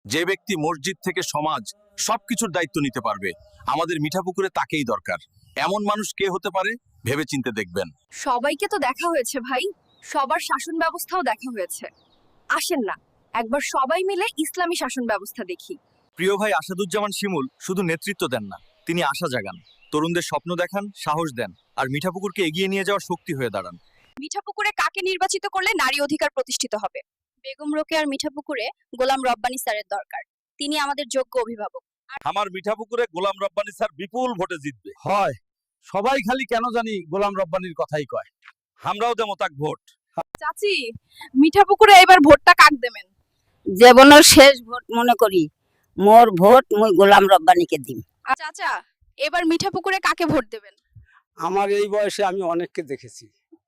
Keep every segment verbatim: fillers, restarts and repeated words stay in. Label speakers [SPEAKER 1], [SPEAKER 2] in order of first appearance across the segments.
[SPEAKER 1] যে ব্যক্তি মসজিদ থেকে সমাজ সবকিছুর দায়িত্ব নিতে পারবে, আমাদের মিঠাপুকুরে তাকেই দরকার। এমন মানুষ কে হতে পারে ভেবেচিন্তে দেখবেন।
[SPEAKER 2] সবাইকে তো দেখা হয়েছে ভাই, সবার শাসন ব্যবস্থাও দেখা হয়েছে। আসেন না একবার সবাই মিলে ইসলামী শাসন ব্যবস্থা দেখি।
[SPEAKER 1] প্রিয় ভাই আসাদুজ্জামান শিমুল শুধু নেতৃত্ব দেন না, তিনি আশা জাগান, তরুণদের স্বপ্ন দেখান, সাহস দেন, আর মিঠাপুকুরকে এগিয়ে নিয়ে যাওয়ার শক্তি হয়ে দাঁড়ান।
[SPEAKER 2] মিঠাপুকুরে কাকে নির্বাচিত করলে নারী অধিকার প্রতিষ্ঠিত হবে? বেগম রোকেয়ার মিঠাপুকুরে গোলাম রব্বানী স্যারের দরকার। তিনি আমাদের যোগ্য অভিভাবক।
[SPEAKER 1] আমার মিঠাপুকুরে গোলাম রব্বানী স্যার বিপুল ভোটে জিতবে।
[SPEAKER 3] হয়, সবাই খালি কেন জানি গোলাম রব্বানির কথাই কয়।
[SPEAKER 1] আমরাও দেবো তাক ভোট।
[SPEAKER 2] চাচি, মিঠাপুকুরে এবার ভোটটা কাক দেবেন?
[SPEAKER 4] জীবনের শেষ ভোট মনে করি, মোর ভোট মুই গোলাম রব্বানিকে দিম।
[SPEAKER 2] চাচা, এবার মিঠাপুকুরে কাকে ভোট দেবেন?
[SPEAKER 3] আমার এই বয়সে আমি অনেককে দেখেছি,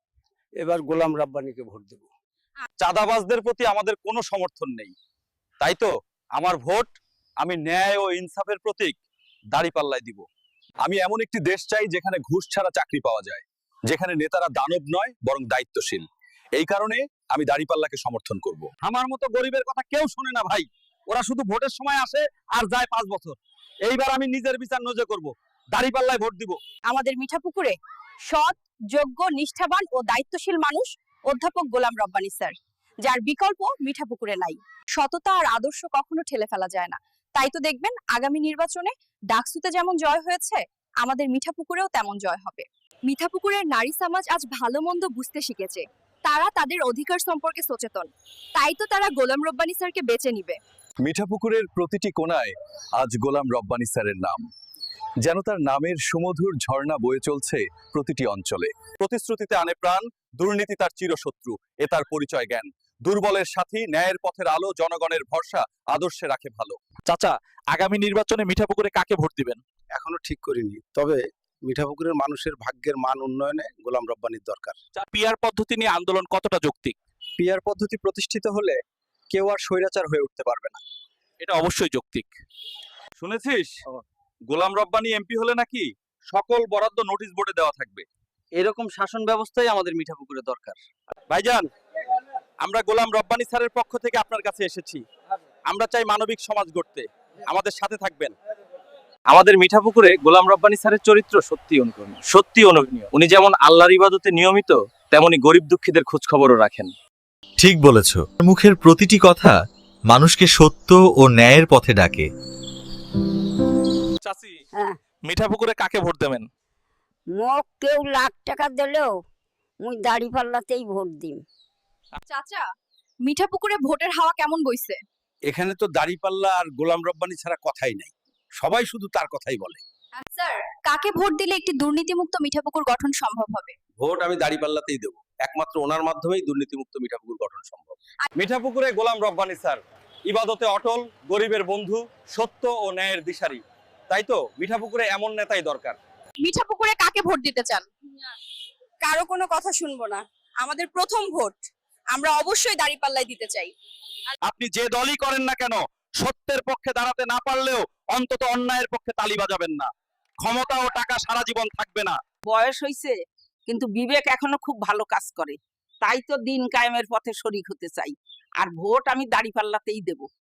[SPEAKER 3] এবার গোলাম রব্বানিকে ভোট দেব।
[SPEAKER 1] চাঁদাবাজদের প্রতি আমাদের কোনো সমর্থন নেই, তাই তো আমার ভোট আমি ন্যায় ও ইনসাফের প্রতীক দাঁড়িপাল্লায় দিব। আমি এমন একটি দেশ চাই যেখানে ঘুষ ছাড়া চাকরি পাওয়া যায়, যেখানে নেতারা দানব নয় বরং দায়িত্বশীল। এই কারণে আমি দাঁড়িপাল্লাকে সমর্থন করব।
[SPEAKER 3] আমার মতো গরিবের কথা কেউ শোনে না ভাই, ওরা শুধু ভোটের সময় আসে আর যায় পাঁচ বছর। এইবার আমি নিজের বিচার নিজে করব, দাঁড়িপাল্লায় ভোট দিব।
[SPEAKER 2] আমাদের মিঠাপুকুরে সৎ, যোগ্য, নিষ্ঠাবান ও দায়িত্বশীল মানুষ অধ্যাপক গোলাম রব্বানী স্যার, যার বিকল্প মিঠাপুকুরে নাই। সততা আর আদর্শ কখনো ঠেলে ফেলা যায় না। তাই তো দেখবেন আগামী নির্বাচনে ডাকসুতে যেমন জয় হয়েছে, আমাদের মিঠাপুকুরেও তেমন জয় হবে। মিঠাপুকুরের নারী সমাজ আজ ভালো মন্দ বুঝতে শিখেছে। তারা তাদের অধিকার সম্পর্কে সচেতন। তাই তো তারা গোলাম রব্বানী স্যারকে বেছে নিবে।
[SPEAKER 1] মিঠাপুকুরের প্রতিটি কোণায় আজ গোলাম রব্বানী স্যারের নাম, যেন তার নামের সুমধুর ঝর্ণা বয়ে চলছে প্রতিটি অঞ্চলে। প্রতিশ্রুতিতে আনে প্রাণ, দুর্নীতি তার চিরশত্রু, এ তার পরিচয় জ্ঞান। দুর্বলের সাথী, ন্যায়ের পথের আলো, জনগণের ভরসা, আদর্শে রাখে ভালো।
[SPEAKER 5] চাচা, আগামী নির্বাচনে মিঠাপুকুরে কাকে ভোট দিবেন?
[SPEAKER 3] এখনো ঠিক করিনি, তবে মিঠাপুকুরের মানুষের ভাগ্যের মান উন্নয়নে গোলাম রব্বানির দরকার।
[SPEAKER 5] পিআর পদ্ধতি নিয়ে আন্দোলন কতটা যৌক্তিক?
[SPEAKER 3] পিআর পদ্ধতি প্রতিষ্ঠিত হলে কেউ আর স্বৈরাচার হয়ে উঠতে পারবে না।
[SPEAKER 5] এটা অবশ্যই যৌক্তিক।
[SPEAKER 1] শুনেছিস গোলাম রব্বানী এমপি হলে নাকি সকল বরাদ্দ নোটিশ বোর্ডে দেওয়া থাকবে।
[SPEAKER 3] এরকম শাসন ব্যবস্থাই আমাদের মিঠাপুকুরে দরকার।
[SPEAKER 5] ভাইজান, আমরা গোলাম রব্বানী স্যারের পক্ষ থেকে আপনার কাছে এসেছি। আমরা চাই মানবিক সমাজ গড়তে, আমাদের সাথে থাকবেন।
[SPEAKER 1] আমাদের মিঠাপুকুরে গোলাম রব্বানী স্যারের চরিত্র সত্যি অনুকরণীয়, সত্যি অনুকরণীয়। উনি যেমন আল্লাহর ইবাদতে নিয়মিত, তেমনি গরিব দুঃখীদের খোঁজ খবরও রাখেন।
[SPEAKER 6] ঠিক বলেছ, মুখের প্রতিটি কথা মানুষকে সত্য ও ন্যায়ের পথে ডাকে।
[SPEAKER 5] চাচি,
[SPEAKER 4] হ্যাঁ।
[SPEAKER 5] মিঠাপুকুরে কাকে ভোট দেবেন?
[SPEAKER 4] মোক কেউ লাখ টাকা দিলেও মুই দাড়িপাল্লাতেই ভোট দিম।
[SPEAKER 2] চাচা, মিঠাপুকুরে ভোটের হাওয়া কেমন বইছে?
[SPEAKER 3] এখানে তো দাড়িপাল্লা আর গোলাম রব্বানি ছাড়া কথাই নাই, সবাই শুধু তার কথাই বলে।
[SPEAKER 2] স্যার, কাকে ভোট দিলে একটি দুর্নীতিমুক্ত মিঠাপুকুর গঠন সম্ভব হবে?
[SPEAKER 3] ভোট আমি দাড়িপাল্লাতেই দেবো, একমাত্র ওনার মাধ্যমেই দুর্নীতিমুক্ত মিঠাপুকুর গঠন সম্ভব।
[SPEAKER 1] মিঠাপুকুরে গোলাম রব্বানী স্যার ইবাদতে অটল, গরিবের বন্ধু, সত্য ও ন্যায়ের দিশারি। তাই তো মিঠাপুকুরে এমন নেতাই দরকার।
[SPEAKER 2] মিঠাপুকুরে কাকে ভোট দিতে চান? কারো কোনো কথা শুনবো না, আমাদের প্রথম ভোট। আমরা অবশ্যই দাঁড়িপাল্লায় দিতে চাই।
[SPEAKER 5] আপনি যে দলই করেন না কেন, সত্যের পক্ষে দাঁড়াতে না পারলেও অন্তত অন্যায়ের পক্ষে তালি বাজাবেন না। ক্ষমতা ও টাকা সারা জীবন থাকবে না।
[SPEAKER 7] বয়স হইছে কিন্তু বিবেক এখনো খুব ভালো কাজ করে, তাই তো দিন কায়েমের পথে শরিক হতে চাই। আর ভোট আমি দাড়িপাল্লাতেই দেব।